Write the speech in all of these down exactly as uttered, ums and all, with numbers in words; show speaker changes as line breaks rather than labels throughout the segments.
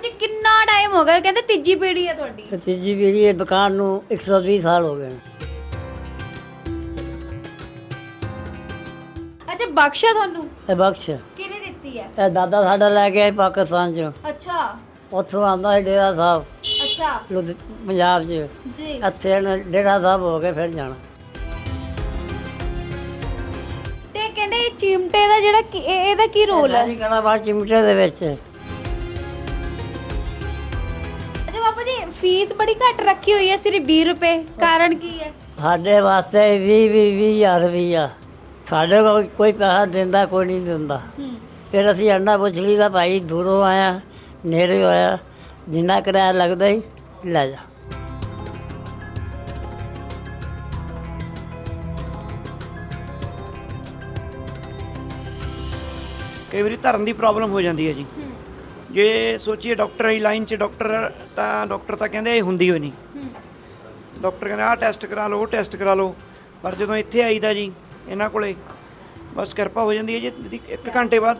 ਬਾਪੂ ਜੀ ਕਿੰਨਾ ਟਾਈਮ ਹੋ ਗਿਆ? ਕਹਿੰਦੇ ਤੀਜੀ ਪੀੜ੍ਹੀ ਹੈ ਤੁਹਾਡੀ।
ਤੇ ਤੀਜੀ ਪੀੜ੍ਹੀ ਇਹ ਦੁਕਾਨ ਨੂੰ ਇੱਕ ਸੌ ਵੀਹ ਸਾਲ ਹੋ ਗਏ ਨੇ।
ਅੱਛਾ ਬਖਸ਼ਾ ਤੁਹਾਨੂੰ
ਇਹ ਬਖਸ਼
ਕਿਹਨੇ ਦਿੱਤੀ ਹੈ?
ਇਹ ਦਾਦਾ ਸਾਡਾ ਲੈ ਕੇ ਆਏ ਪਾਕਿਸਤਾਨ ਚੋਂ।
ਅੱਛਾ
ਉੱਥੋਂ ਆਉਂਦਾ ਸੀ ਡੇਰਾ ਸਾਹਿਬ
ਅੱਛਾ
ਲੁਧ ਪੰਜਾਬ 'ਚ।
ਜੀ
ਇੱਥੇ ਇਹਨੇ ਡੇਰਾ ਸਾਹਿਬ ਹੋ ਕੇ ਫਿਰ ਜਾਣਾ।
ਤੇ ਕਹਿੰਦੇ ਇਹ ਚਿਮਟੇ ਦਾ ਜਿਹੜਾ ਕੀ- ਇਹ- ਇਹਦਾ ਕੀ ਰੋਲ ਹੈ?
ਸਾਰੀ ਕਲਾਬਾਰ ਚਿਮਟੇ ਦੇ ਵਿੱਚ।
ਅੱਛਾ ਬਾਪੂ ਜੀ ਫੀਸ ਬੜੀ ਘੱਟ ਰੱਖੀ ਹੋਈ ਹੈ, ਸਿਰਫ ਵੀਹ ਰੁਪਏ। ਕਾਰਨ ਕੀ ਹੈ?
ਸਾਡੇ ਵਾਸਤੇ ਵੀਹ ਵੀਹ ਵੀਹ ਹਜ਼ਾਰ ਰੁਪਈਆ। ਸਾਡੇ ਕੋਲ ਕੋਈ ਪੈਸਾ ਦਿੰਦਾ ਕੋਈ ਨਹੀਂ ਦਿੰਦਾ।
ਹੂੰ
ਫਿਰ ਅਸੀਂ ਅੰਡਾ ਪੁੱਛ ਲਈਦਾ, ਭਾਈ ਦੂਰੋਂ ਆਇਆ ਨੇੜੇ ਹੋਇਆ, ਜਿੰਨਾ ਕਿਰਾਇਆ ਲੱਗਦਾ ਹੀ ਲੈ ਜਾ।
ਕਈ ਵਾਰੀ ਧਰਨ ਦੀ ਪ੍ਰੋਬਲਮ ਹੋ ਜਾਂਦੀ ਹੈ ਜੀ।
ਹੂੰ
ਜੇ ਸੋਚੀਏ ਡਾਕਟਰ ਵਾਲੀ ਲਾਈਨ 'ਚ ਡਾਕਟਰ ਤਾਂ ਡਾਕਟਰ ਤਾਂ ਕਹਿੰਦੇ ਇਹ ਹੁੰਦੀ ਹੋਈ ਨਹੀਂ।
ਹੂੰ
ਡਾਕਟਰ ਕਹਿੰਦੇ ਆਹ ਟੈਸਟ ਕਰਾ ਲਓ ਉਹ ਟੈਸਟ ਕਰਾ ਲਓ, ਪਰ ਜਦੋਂ ਇੱਥੇ ਆਈਦਾ ਜੀ ਇਹਨਾਂ ਕੋਲੇ ਬਸ ਕਿਰਪਾ ਹੋ ਜਾਂਦੀ ਹੈ ਜੀ। ਇਹਦੀ ਇੱਕ ਘੰਟੇ ਬਾਅਦ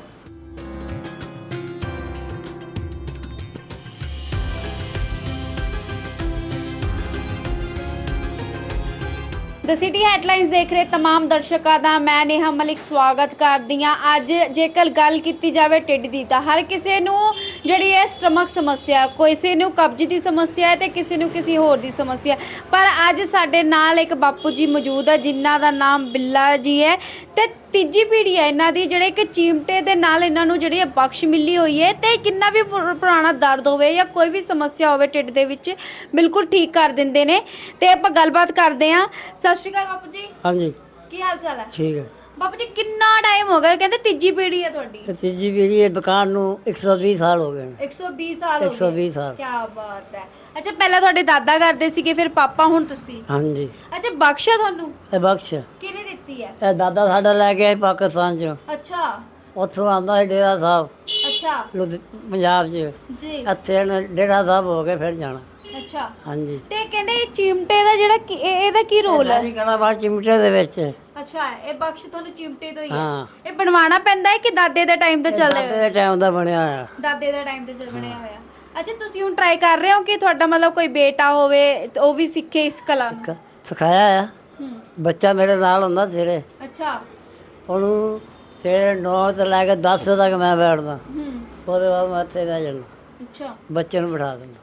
ਦ ਸਿਟੀ ਹੈਡਲਾਈਨਸ ਦੇਖ ਰਹੇ तमाम ਦਰਸ਼ਕਾਂ ਦਾ ਮੈਂ ਨੇਹਾ ਮਲਿਕ ਸਵਾਗਤ ਕਰਦੀ ਹਾਂ। ਅੱਜ ਜੇਕਰ ਗੱਲ ਕੀਤੀ ਜਾਵੇ ਢਿੱਡ ਦੀ ਤਾਂ ਹਰ ਕਿਸੇ ਨੂੰ ਜਿਹੜੀ ਹੈ ਸਟਮਕ ਸਮੱਸਿਆ, ਕਿਸੇ ਨੂੰ ਕਬਜ਼ ਦੀ ਸਮੱਸਿਆ ਹੈ ਤੇ ਕਿਸੇ ਨੂੰ ਕਿਸੇ ਹੋਰ ਦੀ ਸਮੱਸਿਆ। ਪਰ ਅੱਜ ਸਾਡੇ ਨਾਲ ਇੱਕ ਬਾਪੂ ਜੀ ਮੌਜੂਦ ਹੈ ਜਿਨ੍ਹਾਂ ਦਾ ਨਾਮ ਬਿੱਲਾ ਜੀ ਹੈ ਤੇ ਤੀਜੀ ਪੀੜ੍ਹੀ ਹੈ ਇਹਨਾਂ ਦੀ, ਜਿਹੜੇ ਕਿ ਚਿਮਟੇ ਦੇ ਨਾਲ ਇਹਨਾਂ ਨੂੰ ਜਿਹੜੀ ਹੈ ਬਖਸ਼ ਮਿਲੀ ਹੋਈ ਹੈ ਤੇ ਕਿੰਨਾ ਵੀ ਪੁਰ- ਪੁਰਾਣਾ ਦਰਦ ਹੋਵੇ ਜਾਂ ਕੋਈ ਵੀ ਸਮੱਸਿਆ ਹੋਵੇ ਢਿੱਡ ਦੇ ਵਿੱਚ ਬਿਲਕੁਲ ਠੀਕ ਕਰ ਦਿੰਦੇ ਨੇ। ਤੇ ਆਪਾਂ ਗੱਲਬਾਤ ਕਰਦੇ ਹਾਂ। ਸਤਿ ਸ਼੍ਰੀ ਅਕਾਲ ਬਾਪੂ ਜੀ,
ਹਾਂਜੀ
ਕੀ ਹਾਲ ਚਾਲ ਹੈ?
ਠੀਕ ਹੈ।
ਬਾਪੂ ਜੀ ਕਿੰਨਾ ਟਾਈਮ ਹੋ ਗਿਆ? ਕਹਿੰਦੇ ਤੀਜੀ ਪੀੜ੍ਹੀ ਹੈ ਤੁਹਾਡੀ।
ਤੇ ਤੀਜੀ ਪੀੜ੍ਹੀ ਇਹ ਦੁਕਾਨ ਨੂੰ ਇੱਕ ਸੌ ਵੀਹ ਸਾਲ ਹੋ ਗਏ ਨੇ।
ਇੱਕ ਸੌ ਵੀਹ ਸਾਲ ਹੋ ਗਏ।
ਇੱਕ ਸੌ ਵੀਹ ਸਾਲ।
ਕੀ ਬਾਤ ਹੈ। ਅੱਛਾ ਪਹਿਲਾਂ ਤੁਹਾਡੇ ਦਾਦਾ ਕਰਦੇ ਸੀਗੇ, ਫਿਰ ਪਾਪਾ, ਹੁਣ ਤੁਸੀਂ।
ਹਾਂਜੀ
ਅੱਛਾ ਬਖਸ਼ਾ ਤੁਹਾਨੂੰ
ਇਹ ਬਖਸ਼
ਕਿਹਨੇ ਦਿੱਤੀ ਹੈ?
ਇਹ ਦਾਦਾ ਸਾਡਾ ਲੈ ਕੇ ਆਏ ਪਾਕਿਸਤਾਨ ਚੋਂ।
ਅੱਛਾ
ਉੱਥੋਂ ਆਉਂਦਾ ਸੀ ਡੇਰਾ ਸਾਹਿਬ
ਅੱਛਾ
ਲੁਧ ਪੰਜਾਬ 'ਚ।
ਜੀ
ਇੱਥੇ ਇਹਨੇ ਡੇਰਾ ਸਾਹਿਬ ਹੋ ਕੇ ਫਿਰ ਜਾਣਾ।
ਅੱਛਾ
ਹਾਂਜੀ
ਤੇ ਕਹਿੰਦੇ ਇਹ ਚਿਮਟੇ ਦਾ ਜਿਹੜਾ ਕੀ- ਇਹ- ਇਹਦਾ ਕੀ ਰੋਲ ਹੈ?
ਸਾਰੀ ਕਲਾਬਾਰ ਚਿਮਟੇ ਦੇ ਵਿੱਚ।
ਅੱਛਾ ਇਹ ਬਖਸ਼ ਤੁਹਾਨੂੰ ਚਿਮਟੇ ਤੋਂ ਹੀ ਹੈ।
ਹਾਂ।
ਇਹ ਬਣਵਾਉਣਾ ਪੈਂਦਾ ਹੈ ਕਿ ਦਾਦੇ ਦੇ ਟਾਈਮ ਤੋਂ ਚੱਲਦੇ
ਦਾਦੇ
ਹੋਏ?
ਦੇ ਟਾਈਮ ਦਾ ਬਣਿਆ ਹੋਇਆ।
ਦਾਦੇ ਦੇ ਟਾਈਮ ਤੇ ਚੱਲ ਬਣਿਆ ਹੋਇਆ। ਅੱਛਾ ਤੁਸੀਂ ਹੁਣ ਟਰਾਈ ਕਰ ਰਹੇ ਹੋ ਕਿ ਤੁਹਾਡਾ ਮਤਲਬ ਕੋਈ ਬੇਟਾ ਹੋਵੇ ਤੇ ਉਹ ਵੀ ਸਿੱਖੇ ਇਸ ਕਲਾ ਨੂੰ?
ਕ- ਸਿਖਾਇਆ ਆ।
ਹੂੰ
ਬੱਚਾ ਮੇਰੇ ਨਾਲ ਹੁੰਦਾ ਸਵੇਰੇ,
ਅੱਛਾ
ਉਹਨੂੰ ਸਵੇਰੇ ਨੌ ਤੋਂ ਲੈ ਕੇ ਦਸ ਵਜੇ ਤੱਕ ਮੈਂ ਬੈਠਦਾ।
ਹੂੰ
ਉਹਦੇ ਬਾਅਦ ਮੈਂ ਇੱਥੇ ਬਹਿ ਜਾਣਾ,
ਅੱਛਾ
ਬੱਚੇ ਨੂੰ ਬਿਠਾ ਦਿੰਦਾ।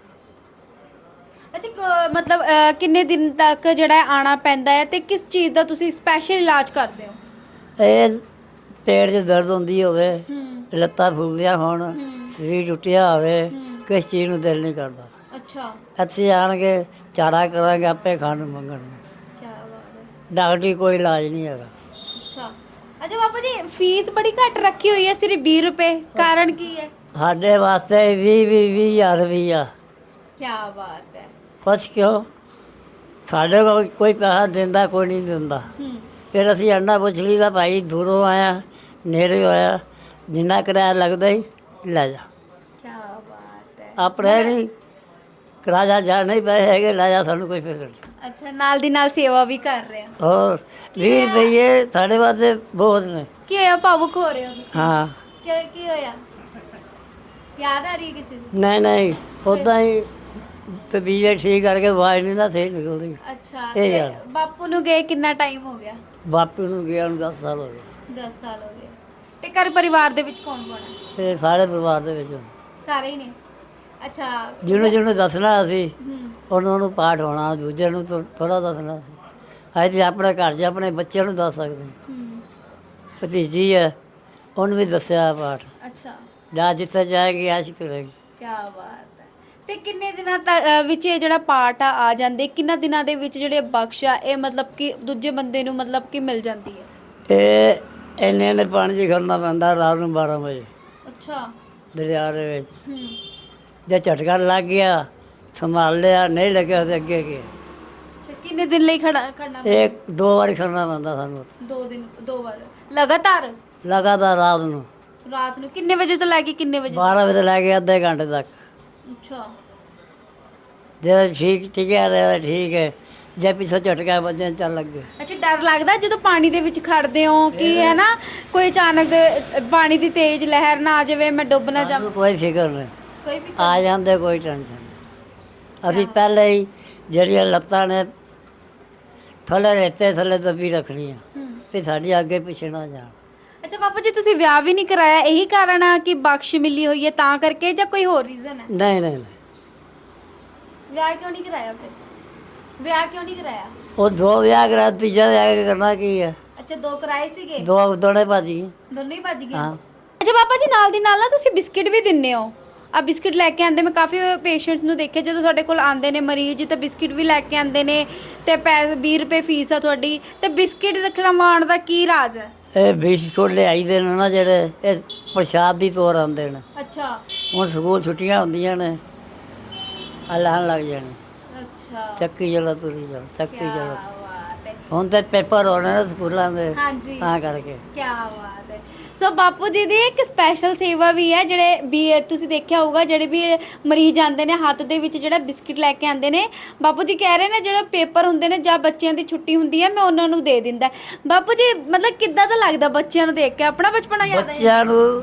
ਅੱਛਾ ਕ- ਮਤਲਬ ਅਹ, ਕਿੰਨੇ ਦਿਨ ਤੱਕ ਜਿਹੜਾ ਹੈ ਆਉਣਾ ਪੈਂਦਾ ਹੈ ਤੇ ਕਿਸ ਚੀਜ਼ ਦਾ ਤੁਸੀਂ ਸਪੈਸ਼ਲ ਇਲਾਜ ਕਰਦੇ ਹੋ?
ਇਹ ਪੇਟ 'ਚ ਦਰਦ ਹੁੰਦੀ ਹੋਵੇ,
ਹੂੰ
ਲੱਤਾਂ ਫੁੱਲਦੀਆਂ ਹੋਣ,
ਹੂੰ।
ਸਰੀਰ ਟੁੱਟਿਆ ਹੋਵੇ,
ਹੂੰ।
ਕਿਸ ਚੀਜ਼ ਨੂੰ ਦਿਲ ਨਹੀਂ ਕਰਦਾ,
ਅੱਛਾ
ਇੱਥੇ ਆਣ ਕੇ ਚਾਰਾ ਕਰਾਂਗੇ, ਆਪੇ ਖਾਣ ਨੂੰ ਮੰਗਣਗੇ।
ਕੀ ਬਾਤ ਹੈ।
ਡਾਕਟਰੀ ਕੋਈ ਇਲਾਜ ਨਹੀਂ ਹੈਗਾ।
ਅੱਛਾ ਅੱਛਾ ਬਾਪੂ ਜੀ ਫੀਸ ਬੜੀ ਘੱਟ ਰੱਖੀ ਹੋਈ ਹੈ, ਸਿਰਫ ਵੀਹ ਰੁਪਏ। ਕਾਰਨ ਕੀ ਹੈ?
ਸਾਡੇ ਵਾਸਤੇ ਵੀਹ ਵੀਹ ਵੀਹ ਹਜ਼ਾਰ ਰੁਪਈਆ।
ਕੀ ਬਾਤ ਹੈ।
ਕੁਛ ਕਿਉਂ? ਸਾਡੇ ਕੋਲ ਕੋਈ ਪੈਸਾ ਦਿੰਦਾ ਕੋਈ ਨਹੀਂ ਦਿੰਦਾ।
ਹੂੰ
ਫਿਰ ਅਸੀਂ ਅੰਡਾ ਪੁੱਛ ਲਈਦਾ, ਭਾਈ ਦੂਰੋਂ ਆਇਆ ਨੇੜੇ ਹੋਇਆ, ਜਿੰਨਾ ਕਿਰਾਇਆ ਲੱਗਦਾ ਹੀ ਲੈ ਜਾ।
ਕੀ ਬਾਤ ਹੈ।
ਆਪਣੇ ਨਹੀਂ ਕਿਰਾਇਆ ਜਾ ਨਹੀਂ ਪੈਸੇ ਹੈਗੇ, ਲੈ ਜਾ, ਸਾਨੂੰ ਕੋਈ ਫਿਕਰ ਨਹੀਂ।
ਅੱਛਾ ਨਾਲ ਦੀ ਨਾਲ ਸੇਵਾ ਵੀ ਕਰ ਰਹੇ ਹੋ।
ਹੋਰ ਵੀਹ ਰੁਪਈਏ ਸਾਡੇ ਵਾਸਤੇ ਬਹੁਤ ਨੇ।
ਕੀ ਹੋਇਆ, ਭਾਵੁਕ ਹੋ ਰਹੇ ਹੋ ਤੁਸੀਂ?
ਹਾਂ
ਕੀ ਕੀ ਹੋਇਆ? ਯਾਦ ਆ ਰਹੀ ਹੈ ਕਿਸੇ ਦੀ?
ਨਹੀਂ ਨਹੀਂ ਉੱਦਾਂ ਹੀ ਤਬੀਅਤ ਠੀਕ ਕਰਕੇ ਆਵਾਜ਼ ਨਹੀਂ ਨਾ ਸਹੀ ਨਿਕਲਦੀ।
ਅੱਛਾ
ਇਹ
ਤੇ
ਯਾਰ।
ਬਾਪੂ ਨੂੰ ਗਏ ਕਿੰਨਾ ਟਾਈਮ ਹੋ ਗਿਆ?
ਬਾਪੂ ਨੂੰ ਗਿਆ ਨੂੰ ਦਸ ਸਾਲ ਹੋ ਗਏ।
ਦਸ ਸਾਲ ਹੋ ਗਏ। ਤੇ ਘਰ ਪਰਿਵਾਰ ਦੇ ਵਿੱਚ ਕੌਣ ਕੌਣ ਹੈ?
ਇਹ ਸਾਰੇ ਪਰਿਵਾਰ ਦੇ ਵਿੱਚ
ਸਾਰੇ ਹੀ ਨੇ। ਅੱਛਾ
ਜਿਹਨੂੰ ਜਿਹਨੂੰ ਦੱਸਣਾ ਅਸੀਂ
ਹੂੰ
ਉਹਨਾਂ ਨੂੰ ਪਾਠ ਹੋਣਾ, ਦੂਜੇ ਨੂੰ ਥੋੜਾ ਦੱਸਣਾ ਸੀ। ਅਸੀਂ ਤੇ ਆਪਣੇ ਘਰ 'ਚ ਆਪਣੇ ਬੱਚਿਆਂ ਨੂੰ ਦੱਸ ਸਕਦੇ ਹਾਂ।
ਹੂੰ
ਭਤੀਜੀ ਹੈ, ਉਹਨੂੰ ਵੀ ਦੱਸਿਆ ਪਾਠ।
ਅੱਛਾ
ਜਾ ਜਿੱਥੇ ਜਾਏਗੀ ਐਸ਼ ਕਰੇਗੀ।
ਕੀ ਬਾਤ ਹੈ। ਤੇ ਕਿੰਨੇ ਦਿਨਾਂ ਤੱਕ ਅ, ਵਿੱਚ ਇਹ ਜਿਹੜਾ ਪਾਠ ਆ ਆ ਜਾਂਦੇ, ਕਿੰਨਾ ਦਿਨਾਂ ਦੇ ਵਿੱਚ ਜਿਹੜੇ ਬਖਸ਼ਾ ਇਹ ਮਤਲਬ ਕਿ ਦੂਜੇ ਬੰਦੇ ਨੂੰ ਮਤਲਬ ਕਿ ਮਿਲ ਜਾਂਦੀ ਹੈ?
ਇਹ ਇੰਨੇ ਇੰਨੇ ਪਾਣੀ 'ਚ ਖੜਨਾ ਪੈਂਦਾ ਰਾਤ ਨੂੰ ਬਾਰਾਂ ਵਜੇ
ਅੱਛਾ
ਦਰਿਆ ਦੇ ਵਿੱਚ।
ਹੂੰ
ਜੇ ਝਟਕਾ ਲੱਗ ਗਿਆ ਸੰਭਾਲ ਲਿਆ, ਨਹੀਂ ਲੱਗਿਆ ਤੇ ਅੱਗੇ ਗਿਆ।
ਅੱਛਾ ਕਿੰਨੇ ਦਿਨ ਲਈ ਖੜਾ ਖੜਨਾ?
ਇੱਕ ਦੋ ਵਾਰੀ ਖੜਨਾ ਪੈਂਦਾ ਸਾਨੂੰ ਉੱਥੇ,
ਦੋ ਦਿਨ ਦੋ ਵਾਰ ਲਗਾਤਾਰ
ਲਗਾਤਾਰ ਰਾਤ ਨੂੰ
ਰਾਤ ਨੂੰ ਕਿੰਨੇ ਵਜੇ ਤੋਂ ਲੈ ਕੇ ਕਿੰਨੇ ਵਜੇ?
ਬਾਰਾਂ ਵਜੇ ਤੋਂ ਲੈ ਕੇ ਅੱਧੇ ਘੰਟੇ ਤੱਕ।
ਅੱਛਾ
ਜੇ ਠੀਕ ਟਿਕਿਆ ਰਿਹਾ ਤਾਂ ਠੀਕ ਹੈ, ਜੇ ਪਿੱਛੋਂ ਝਟਕਾ ਵੱਜਣ ਚੱਲ ਲੱਗੇ।
ਅੱਛਾ ਡਰ ਲੱਗਦਾ ਜਦੋਂ ਪਾਣੀ ਦੇ ਵਿੱਚ ਖੜਦੇ ਹੋ ਕਿ ਹੈ ਨਾ ਕੋਈ ਅਚਾਨਕ ਦੇ ਪਾਣੀ ਦੀ ਤੇਜ਼ ਲਹਿਰ ਨਾ ਆ ਜਾਵੇ, ਮੈਂ ਡੁੱਬ ਨਾ ਜਾਵਾਂ?
ਸਾਨੂੰ ਕੋਈ ਫਿਕਰ ਨਹੀਂ,
ਕੋਈ ਫਿਕਰ
ਆ ਜਾਂਦੇ, ਕੋਈ ਟੈਨਸ਼ਨ ਨਹੀਂ। ਅਸੀਂ ਪਹਿਲੇ ਹੀ ਜਿਹੜੀਆਂ ਲੱਤਾਂ ਨੇ ਥੱਲੇ ਰੇਤੇ ਥੱਲੇ ਦੱਬੀ ਰੱਖਣੀਆਂ
ਹੂੰ।
ਵੀ ਸਾਡੀ ਅੱਗੇ ਪਿੱਛੇ ਨਾ ਜਾਣ।
ਅੱਛਾ ਬਾਪੂ ਜੀ, ਤੁਸੀਂ ਵਿਆਹ ਵੀ ਨਹੀਂ ਕਰਾਇਆ, ਇਹੀ ਕਾਰਨ ਆ ਕਿ ਬਖਸ਼ ਮਿਲੀ ਹੋਈ ਹੈ ਤਾਂ ਕਰਕੇ, ਜਾਂ ਕੋਈ ਹੋਰ ਰੀਜ਼ਨ ਹੈ?
ਨਹੀਂ ਨਹੀਂ ਨਹੀਂ,
ਵਿਆਹ ਕਿਉਂ ਨਹੀਂ ਕਰਾਇਆ ਫਿਰ? ਵਿਆਹ ਕਿਉਂ ਨਹੀਂ ਕਰਾਇਆ?
ਉਹ ਦੋ ਵਿਆਹ ਕਰਾ, ਤੀਜਾ ਵਿਆਹ ਕੇ ਕਰਨਾ ਕੀ ਹੈ?
ਅੱਛਾ, ਦੋ ਕਰਾਏ ਸੀਗੇ,
ਦੋ ਦੋਨੇ ਭਾਜੀ।
ਦੋਨੋਂ ਹੀ ਭੱਜ ਗਏ।
ਹਾਂ।
ਅੱਛਾ ਬਾਬਾ ਜੀ, ਨਾਲ ਦੀ ਨਾਲ ਨਾ ਤੁਸੀਂ ਬਿਸਕਿਟ ਵੀ ਦਿੰਦੇ ਹੋ। ਆ ਬਿਸਕਿਟ ਲੈ ਕੇ ਆਂਦੇ, ਮੈਂ ਕਾਫੀ ਪੇਸ਼ੈਂਟਸ ਨੂੰ ਦੇਖਿਆ ਜਦੋਂ ਤੁਹਾਡੇ ਕੋਲ ਆਂਦੇ ਨੇ ਮਰੀਜ਼ ਤਾਂ ਬਿਸਕਿਟ ਵੀ ਲੈ ਕੇ ਆਂਦੇ ਨੇ, ਤੇ ਪੈਸੇ ਵੀਹ ਰੁਪਏ ਫੀਸ ਆ ਤੁਹਾਡੀ, ਤੇ ਬਿਸਕਿਟ ਖਿਲਾਉਣ ਦਾ ਕੀ ਰਾਜ ਹੈ?
ਇਹ ਬਿਸਕੁਟ ਲਿਆਈ ਦੇ ਨੇ ਨਾ ਜਿਹੜੇ, ਇਹ ਪ੍ਰਸ਼ਾਦ ਦੀ ਤੌਰ ਆਉਂਦੇ ਨੇ।
ਅੱਛਾ
ਹੁਣ ਸਕੂਲ ਛੁੱਟੀਆਂ ਹੁੰਦੀਆਂ ਨੇ, ਅੱਲਾਹਣ ਲੱਗ ਜਾਣੇ,
ਅੱਛਾ,
ਚੱਕੀ ਚਲੋ ਤੁਰੀ ਚਲੋ, ਚੱਕੀ
ਕਿਆ
ਚਲੋ।
ਬਾਤ ਹੈ।
ਹੁਣ ਤੇ ਪੇਪਰ ਹੋਣੇ ਨੇ ਸਕੂਲਾਂ ਦੇ,
ਹਾਂਜੀ,
ਤਾਂ ਕਰਕੇ।
ਕੀ ਬਾਤ ਹੈ। ਸੋ ਬਾਪੂ ਜੀ ਦੀ ਇੱਕ ਸਪੈਸ਼ਲ ਸੇਵਾ ਵੀ ਹੈ, ਜਿਹੜੇ ਵੀ ਤੁਸੀਂ ਦੇਖਿਆ ਹੋਊਗਾ, ਜਿਹੜੇ ਵੀ ਮਰੀਜ਼ ਆਉਂਦੇ ਨੇ ਹੱਥ ਦੇ ਵਿੱਚ ਜਿਹੜਾ ਬਿਸਕਿਟ ਲੈ ਕੇ ਆਉਂਦੇ ਨੇ, ਬਾਪੂ ਜੀ ਕਹਿ ਰਹੇ ਨੇ ਜਿਹੜਾ ਪੇਪਰ ਹੁੰਦੇ ਨੇ ਜਾਂ ਬੱਚਿਆਂ ਦੀ ਛੁੱਟੀ ਹੁੰਦੀ ਹੈ, ਮੈਂ ਉਹਨਾਂ ਨੂੰ ਦੇ ਦਿੰਦਾ। ਬਾਪੂ ਜੀ ਮਤਲਬ ਕਿੱਦਾਂ ਦਾ ਲੱਗਦਾ ਬੱਚਿਆਂ ਨੂੰ ਦੇਖ ਕੇ? ਆਪਣਾ ਬਚਪਨਾ ਯਾਦ ਆਇਆ?
ਬੱਚਿਆਂ ਨੂੰ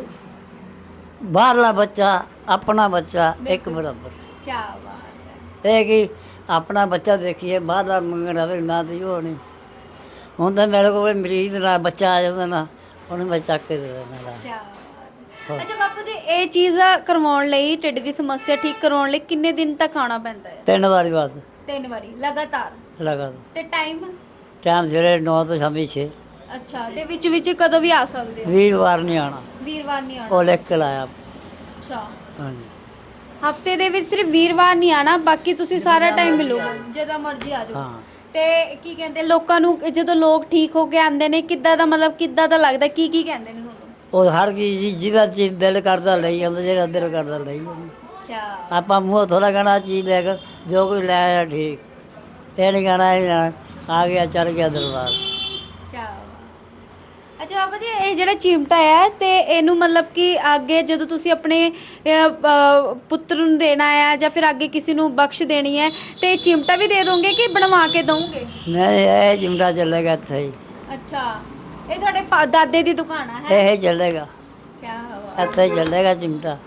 ਬਾਹਰਲਾ ਬੱਚਾ ਆਪਣਾ ਬੱਚਾ ਇੱਕ ਬਰਾਬਰ।
ਕੀ ਬਾਤ ਹੈ।
ਇਹ ਕਿ ਆਪਣਾ ਬੱਚਾ ਦੇਖੀਏ, ਬਾਹਰਲਾ ਮੰਗਣ ਆਵੇ ਨਾ ਦੀ ਉਹ ਨਹੀਂ। ਹੁਣ ਤਾਂ ਮੇਰੇ ਕੋਲ ਮਰੀਜ਼ ਦਾ ਬੱਚਾ ਆ ਜਾਂਦਾ ਨਾ, ਉਹਨੂੰ ਮੈਂ ਚੱਕ ਕੇ ਦੇ ਦੇਣਾ।
ਕੀ ਬਾਤ ਹੈ। ਅੱਛਾ ਬਾਪੂ ਜੀ, ਇਹ ਚੀਜ਼ ਕਰਵਾਉਣ ਲਈ, ਢਿੱਡ ਦੀ ਸਮੱਸਿਆ ਠੀਕ ਕਰਵਾਉਣ ਲਈ ਕਿੰਨੇ ਦਿਨ ਤੱਕ ਆਉਣਾ ਪੈਂਦਾ ਹੈ?
ਤਿੰਨ ਵਾਰੀ ਬਸ
ਤਿੰਨ ਵਾਰੀ ਲਗਾਤਾਰ?
ਲਗਾ
ਤੇ ਟਾਈਮ?
ਟਾਈਮ ਸਵੇਰੇ ਨੌ ਤੋਂ ਸ਼ਾਮੀ ਛੇ।
ਅੱਛਾ, ਤੇ ਵਿੱਚ ਵਿੱਚ ਕਦੋਂ ਵੀ ਆ ਸਕਦੇ ਹੋ?
ਵੀਰਵਾਰ ਨਹੀਂ ਆਉਣਾ,
ਵੀਰਵਾਰ ਨਹੀਂ ਆਉਣਾ?
ਉਹ ਲਿਖ ਕੇ ਲਾਇਆ।
ਅੱਛਾ,
ਹਾਂਜੀ,
ਹਫਤੇ ਦੇ ਵਿੱਚ ਸਿਰਫ ਵੀਰਵਾਰ ਨਹੀਂ ਆਣਾ, ਬਾਕੀ ਤੁਸੀਂ ਸਾਰਾ ਟਾਈਮ ਮਿਲੋਗੇ, ਜਦੋਂ ਮਰਜ਼ੀ ਆ ਜਾਓ।
ਹਾਂ।
ਤੇ ਕੀ ਕਹਿੰਦੇ ਲੋਕਾਂ ਨੂੰ, ਜਦੋਂ ਲੋਕ ਠੀਕ ਹੋ ਕੇ ਆਉਂਦੇ ਨੇ, ਕਿੱਦਾਂ ਦਾ ਮਤਲਬ ਕਿੱਦਾਂ ਦਾ ਲੱਗਦਾ, ਕੀ ਕੀ ਕਹਿੰਦੇ ਨੇ ਤੁਹਾਨੂੰ?
ਉਹ ਹਰ ਚੀਜ਼ ਜੀ- ਜਿਹਦਾ ਚੀਜ਼ ਦਿਲ ਕਰਦਾ ਲਈ ਜਾਂਦਾ, ਜਿਹੜਾ ਦਿਲ ਕਰਦਾ ਲਈ ਜਾਂਦਾ।
ਕਿਆ
ਆਪਾਂ ਮੂੰਹ ਥੋੜਾ ਕਹਿਣਾ ਚੀਜ਼ ਲੈ ਕੇ ਜੋ ਕੋਈ ਲੈ ਆਇਆ ਠੀਕ, ਇਹ ਨਹੀਂ ਕਹਿਣਾ ਇਹ ਲੈਣਾ, ਆ ਗਿਆ ਚੱਲ ਗਿਆ ਦਰਬਾਰ।
ਕਿਆ ਅੱਛਾ ਬਾਬਾ ਜੀ, ਇਹ ਜਿਹੜਾ ਚਿਮਟਾ ਹੈ ਤੇ ਇਹਨੂੰ ਮਤਲਬ ਕਿ ਅੱਗੇ ਜਦੋਂ ਤੁਸੀਂ ਆਪਣੇ ਅਹ, ਅਹ, ਪੁੱਤਰ ਨੂੰ ਦੇਣਾ ਹੈ ਜਾਂ ਫਿਰ ਅੱਗੇ ਕਿਸੇ ਨੂੰ ਬਖਸ਼ ਦੇਣੀ ਹੈ, ਤੇ ਇਹ ਚਿਮਟਾ ਵੀ ਦੇ ਦੋਗੇ ਕਿ ਬਣਵਾ ਕੇ ਦੋਗੇ?
ਨਹੀਂ, ਇਹ ਚਿਮਟਾ ਚੱਲੇਗਾ ਇੱਥੇ ਹੀ,
ਅੱਛਾ, ਇਹ ਤੁਹਾਡੇ ਪਾ- ਦਾਦੇ ਦੀ ਦੁਕਾਨ ਹੈ?
ਇਹ ਚੱਲੇਗਾ,
ਕਿਆ ਬਾਤ।
ਇੱਥੇ ਹੀ ਚੱਲੇਗਾ ਚਿਮਟਾ,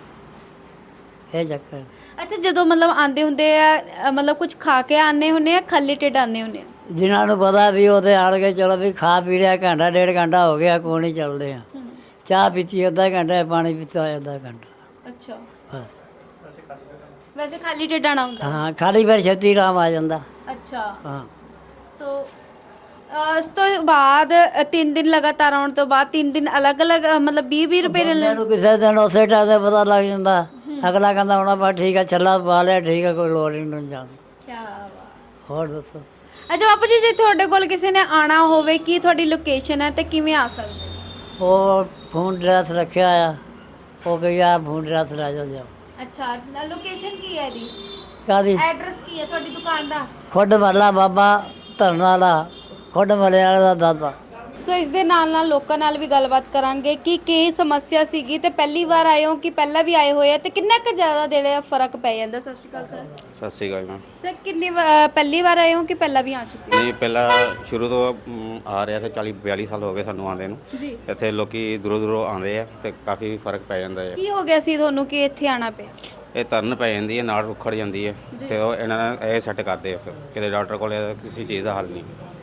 ਇਹ ਚੱਕਰ।
ਅੱਛਾ, ਜਦੋਂ ਮਤਲਬ ਆਂਦੇ ਹੁੰਦੇ ਆ, ਅ, ਮਤਲਬ ਕੁਝ ਖਾ ਕੇ ਆਨੇ ਹੁੰਦੇ ਆ, ਖਾਲੀ ਢਿੱਡ ਆਨੇ ਹੁੰਦੇ ਆ?
ਜਿਨ੍ਹਾਂ ਨੂੰ ਪਤਾ ਵੀ ਉਹਦੇ ਆੜ ਕੇ ਚਲੋ ਵੀ ਖਾ ਪੀ ਲਿਆ, ਘੰਟਾ ਡੇਢ ਘੰਟਾ ਹੋ ਗਿਆ, ਕੋਈ ਨਹੀਂ ਚੱਲਦੇ ਆ। ਚਾਹ ਪੀਤੀ ਅੱਧਾ ਘੰਟਾ, ਪਾਣੀ ਪੀਤਾ ਹੋਇਆ ਅੱਧਾ ਘੰਟਾ,
ਅੱਛਾ,
ਬਸ।
ਵੈਸੇ ਖਾਲੀ ਢਿੱਡ ਆਣਾ ਹੁੰਦਾ?
ਹਾਂ, ਖਾਲੀ ਫਿਰ ਛੇਤੀ ਆਰਾਮ ਆ ਜਾਂਦਾ।
ਅੱਛਾ,
ਹਾਂ,
ਸੋ ਅ, ਉਸ ਤੋਂ ਬਾਅਦ ਅ, ਤਿੰਨ ਦਿਨ ਲਗਾਤਾਰ ਆਉਣ ਤੋਂ ਬਾਅਦ ਤਿੰਨ ਦਿਨ ਅਲੱਗ-ਅਲੱਗ ਅ, ਮਤਲਬ ਵੀਹ ਵੀਹ ਰੁਪਏ ਲੈ
ਬੰਦੇ ਨੂੰ ਕਿਸੇ ਦਿਨ ਉਸੇ ਟਾਈਮ ਤੇ ਪਤਾ ਲੱਗ ਜਾਂਦਾ, ਅਗਲਾ ਕਹਿੰਦਾ ਹੁਣ ਬਸ ਠੀਕ ਆ, ਛੱਲਾ ਪਾ ਲਿਆ, ਠੀਕ ਆ, ਕੋਈ ਲੋੜ ਨਹੀਂ ਜਾਣ।
ਕੀ ਬਾਤ।
ਹੋਰ ਦੱਸੋ।
ਅੱਛਾ ਬਾਪੂ ਜੀ, ਜੇ ਤੁਹਾਡੇ ਕੋਲ ਕਿਸੇ ਨੇ ਆਣਾ ਹੋਵੇ, ਕੀ ਤੁਹਾਡੀ ਲੋਕੇਸ਼ਨ ਹੈ ਤੇ ਕਿਵੇਂ ਆ ਸਕਦੇ?
ਉਹ ਫੋਨ ਡਰੈਸ ਰੱਖਿਆ ਆ, ਉਹ ਕਹੀ ਆ ਫੋਨ ਡਰੈਸ ਲੈ ਜਾਓ ਜਾਓ।
ਅੱਛਾ, ਲੋਕੇਸ਼ਨ ਕੀ ਹੈ ਇਹਦੀ?
ਕਾਹਦੀ?
ਐਡਰੈਸ ਕੀ ਹੈ ਤੁਹਾਡੀ ਦੁਕਾਨ ਦਾ?
ਖੁੱਡ ਵਾਲਾ ਬਾਬਾ ਧਰਨ ਵਾਲਾ, ਖੁੱਡ ਵਾਲੇ ਵਾਲੇ ਦਾ ਦਾਦਾ।
ਸੋ ਇਸ ਦੇ ਨਾਲ ਨਾਲ ਲੋਕਾਂ ਨਾਲ ਵੀ ਗੱਲਬਾਤ ਕਰਾਂਗੇ ਕਿ ਕੀ ਸਮੱਸਿਆ ਸੀਗੀ, ਤੇ ਪਹਿਲੀ ਵਾਰ ਆਏ ਹੋ ਕਿ ਪਹਿਲਾਂ ਵੀ ਆਏ ਹੋਏ ਆ, ਤੇ ਕਿੰਨਾ ਕੁ ਜ਼ਿਆਦਾ ਜਿਹੜਾ ਫਰਕ ਪੈ ਜਾਂਦਾ? ਸਤਿ ਸ਼੍ਰੀ ਅਕਾਲ ਸਰ।
ਸਤਿ ਸ਼੍ਰੀ ਅਕਾਲ ਮੈਮ।
ਸਰ ਕਿੰਨੀ ਵਾ- ਅ, ਪਹਿਲੀ ਵਾਰ ਆਏ ਹੋ ਕਿ ਪਹਿਲਾਂ ਵੀ ਆ ਚੁੱਕੇ ਹੋ?
ਨਹੀਂ, ਪਹਿਲਾਂ ਸ਼ੁਰੂ ਤੋਂ ਮ, ਆ ਰਿਹਾ ਤੇ ਚਾਲੀ ਬਿਆਲੀ ਸਾਲ ਹੋ ਗਏ ਸਾਨੂੰ ਆਉਂਦੇ ਨੂੰ।
ਜੀ।
ਇੱਥੇ ਲੋਕੀ ਦੂਰੋਂ ਦੂਰੋਂ ਆਉਂਦੇ ਆ ਤੇ ਕਾਫੀ ਫਰਕ ਪੈ ਜਾਂਦਾ ਹੈ।
ਕੀ ਹੋ ਗਿਆ ਸੀ ਤੁਹਾਨੂੰ ਕਿ ਇੱਥੇ ਆਣਾ ਪਿਆ?
ਇਹ ਤਰਨ ਪੈ ਜਾਂਦੀ ਹੈ, ਨਾਲ ਉਖੜ ਜਾਂਦੀ ਹੈ
ਜੀ।
ਤੇ ਉਹ ਇਹਨਾਂ ਨੇ ਇਹ ਸੈੱਟ ਕਰਦੇ ਆ, ਫਿਰ ਕਿਤੇ ਡਾਕਟਰ ਕੋਲ ਕਿਸੇ ਚੀਜ਼ ਦਾ ਹੱਲ ਨਹੀਂ।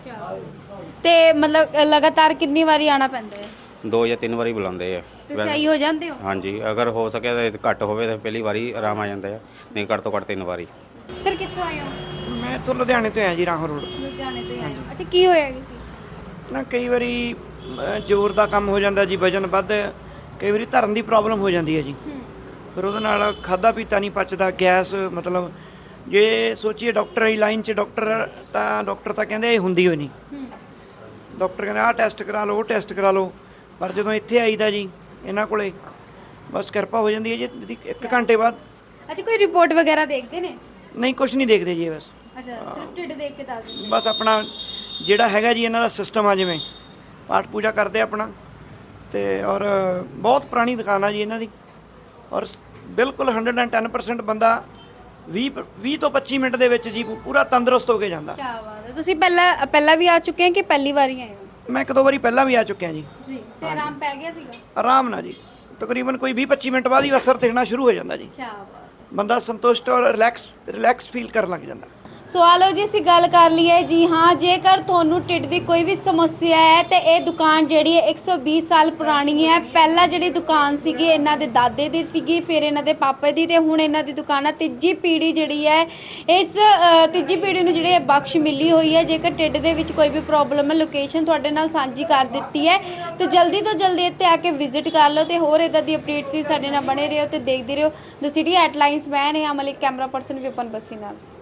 ਤੇ ਮਤਲਬ ਅ, ਲਗਾਤਾਰ ਕਿੰਨੀ ਵਾਰੀ ਆਣਾ ਪੈਂਦਾ ਹੈ?
ਦੋ ਜਾਂ ਤਿੰਨ ਵਾਰੀ ਬੁਲਾਉਂਦੇ ਆ।
ਤੇ ਸਹੀ ਹੋ ਜਾਂਦੇ ਹੋ?
ਹਾਂਜੀ, ਅਗਰ ਹੋ ਸਕੇ ਤਾਂ ਘੱਟ ਹੋਵੇ ਤਾਂ ਪਹਿਲੀ ਵਾਰੀ ਆਰਾਮ ਆ ਜਾਂਦਾ ਹੈ, ਨਹੀਂ ਘੱਟ ਤੋਂ ਘੱਟ ਤਿੰਨ ਵਾਰੀ।
ਸਰ ਕਿੱਥੋਂ ਆਏ ਹੋ?
ਮੈਂ ਇੱਥੋਂ ਲੁਧਿਆਣੇ ਤੋਂ ਆਇਆ ਜੀ, ਰਾਹੋਂ ਰੋਡ।
ਲੁਧਿਆਣੇ ਤੋਂ ਆਏ ਹੋ। ਅੱਛਾ, ਕੀ ਹੋਇਆ ਸੀ?
ਨਾ ਕਈ ਵਾਰੀ ਅ, ਜ਼ੋਰ ਦਾ ਕੰਮ ਹੋ ਜਾਂਦਾ ਜੀ, ਵਜਨ ਵੱਧ, ਕਈ ਵਾਰੀ ਧਰਨ ਦੀ ਪ੍ਰੋਬਲਮ ਹੋ ਜਾਂਦੀ ਹੈ ਜੀ।
ਹੂੰ।
ਫਿਰ ਉਹਦੇ ਨਾਲ ਖਾਦਾ ਪੀਤਾ ਨਹੀਂ ਪਚਦਾ, ਗੈਸ, ਮਤਲਬ ਜੇ ਸੋਚੀਏ ਡਾਕਟਰ ਦੀ ਲਾਈਨ 'ਚ ਡਾਕਟਰ ਤਾਂ ਡਾਕਟਰ ਤਾਂ ਕਹਿੰਦੇ ਇਹ ਹੁੰਦੀ ਹੋਈ ਨਹੀਂ।
ਹੂੰ।
ਡਾਕਟਰ ਕਹਿੰਦੇ ਆਹ ਟੈਸਟ ਕਰਾ ਲਓ, ਉਹ ਟੈਸਟ ਕਰਾ ਲਓ, ਪਰ ਜਦੋਂ ਇੱਥੇ ਆਈਦਾ ਜੀ ਇਹਨਾਂ ਕੋਲੇ, ਬਸ ਕਿਰਪਾ ਹੋ ਜਾਂਦੀ ਹੈ ਜੀ ਇਹਦੀ ਇੱਕ ਘੰਟੇ ਬਾਅਦ।
ਅੱਛਾ, ਕੋਈ ਰਿਪੋਰਟ ਵਗੈਰਾ ਦੇਖਦੇ ਨੇ?
ਨਹੀਂ, ਕੁਝ ਨਹੀਂ ਦੇਖਦੇ ਜੀ, ਬਸ
ਅੱਛਾ, ਸਿਰਫ ਢਿੱਡ ਦੇਖ ਕੇ ਦੱਸ ਦਿੰਦੇ?
ਬਸ ਆਪਣਾ ਜਿਹੜਾ ਹੈਗਾ ਜੀ ਇਹਨਾਂ ਦਾ ਸਿਸਟਮ ਆ, ਜਿਵੇਂ ਪਾਠ ਪੂਜਾ ਕਰਦੇ ਆਪਣਾ, ਤੇ ਔਰ ਬਹੁਤ ਪੁਰਾਣੀ ਦੁਕਾਨ ਆ ਜੀ ਇਹਨਾਂ ਦੀ, ਔਰ ਬਿਲਕੁਲ ਇੱਕ ਸੌ ਦਸ ਪਰਸੈਂਟ ਬੰਦਾ ਵੀਹ ਵੀਹ ਤੋਂ ਪੱਚੀ ਮਿੰਟ ਦੇ ਵਿੱਚ ਜੀ ਪੂਰਾ ਤੰਦਰੁਸਤ ਹੋ ਕੇ ਜਾਂਦਾ।
ਕੀ ਬਾਤ ਹੈ। ਤੁਸੀਂ ਪਹਿਲਾਂ ਪਹਿਲਾਂ ਵੀ ਆ ਚੁੱਕੇ ਹੋ ਕਿ ਪਹਿਲੀ ਵਾਰੀ ਆਏ ਹੋ?
ਮੈਂ ਇੱਕ ਦੋ ਵਾਰੀ ਪਹਿਲਾਂ ਵੀ ਆ ਚੁੱਕਿਆ ਜੀ।
ਜੀ। ਤੇ ਆਰਾਮ ਪੈ ਗਿਆ ਸੀਗਾ?
ਆਰਾਮ ਨਾਲ ਜੀ, ਤਕਰੀਬਨ ਕੋਈ ਵੀਹ ਪੱਚੀ ਮਿੰਟ ਬਾਅਦ ਹੀ ਅਸਰ ਦਿਖਣਾ ਸ਼ੁਰੂ ਹੋ ਜਾਂਦਾ ਜੀ।
ਕੀ ਬਾਤ।
ਬੰਦਾ ਸੰਤੁਸ਼ਟ ਔਰ ਰਿਲੈਕਸ ਰਿਲੈਕਸ ਫੀਲ ਕਰਨ ਲੱਗ ਜਾਂਦਾ।
ਸੋ ਆ ਲਓ ਜੀ, ਅਸੀਂ ਗੱਲ ਕਰ ਲਈਏ ਜੀ ਹਾਂ, ਜੇਕਰ ਤੁਹਾਨੂੰ ਢਿੱਡ ਦੀ ਕੋਈ ਵੀ ਸਮੱਸਿਆ ਹੈ ਤੇ ਇਹ ਦੁਕਾਨ ਜਿਹੜੀ ਹੈ ਇੱਕ ਸੌ ਵੀਹ ਸਾਲ ਪੁਰਾਣੀ ਹੈ। ਪਹਿਲਾਂ ਜਿਹੜੀ ਦੁਕਾਨ ਸੀਗੀ ਇਹਨਾਂ ਦੇ ਦਾਦੇ ਦੀ ਸੀਗੀ, ਫਿਰ ਇਹਨਾਂ ਦੇ ਪਾਪੇ ਦੀ, ਤੇ ਹੁਣ ਇਹਨਾਂ ਦੀ ਦੁਕਾਨ ਆ। ਤੀਜੀ ਪੀੜ੍ਹੀ ਜਿਹੜੀ ਹੈ, ਇਸ ਅ, ਤੀਜੀ ਪੀੜ੍ਹੀ ਨੂੰ ਜਿਹੜੀ ਹੈ ਬਖਸ਼ ਮਿਲੀ ਹੋਈ ਹੈ। ਜੇਕਰ ਢਿੱਡ ਦੇ ਵਿੱਚ ਕੋਈ ਵੀ ਪ੍ਰੋਬਲਮ ਹੈ, ਲੋਕੇਸ਼ਨ ਤੁਹਾਡੇ ਨਾਲ ਸਾਂਝੀ ਕਰ ਦਿੱਤੀ ਹੈ, ਤੇ ਜਲਦੀ ਤੋਂ ਜਲਦੀ ਇੱਥੇ ਆ ਕੇ ਵਿਜ਼ਿਟ ਕਰ ਲਓ। ਤੇ ਹੋਰ ਇੱਦਾਂ ਦੀ ਅਪਡੇਟਸ ਲਈ ਸਾਡੇ ਨਾਲ ਬਣੇ ਰਹੋ ਤੇ ਦੇਖਦੇ ਰਹੋ ਦ ਸਿਟੀ ਹੈਡਲਾਈਨਸ। ਮੈਂ ਨੇਹਾ ਮਲਿਕ, ਕੈਮਰਾ ਪਰਸਨ ਵਿਪਨ ਬੱਸੀ ਨਾਲ।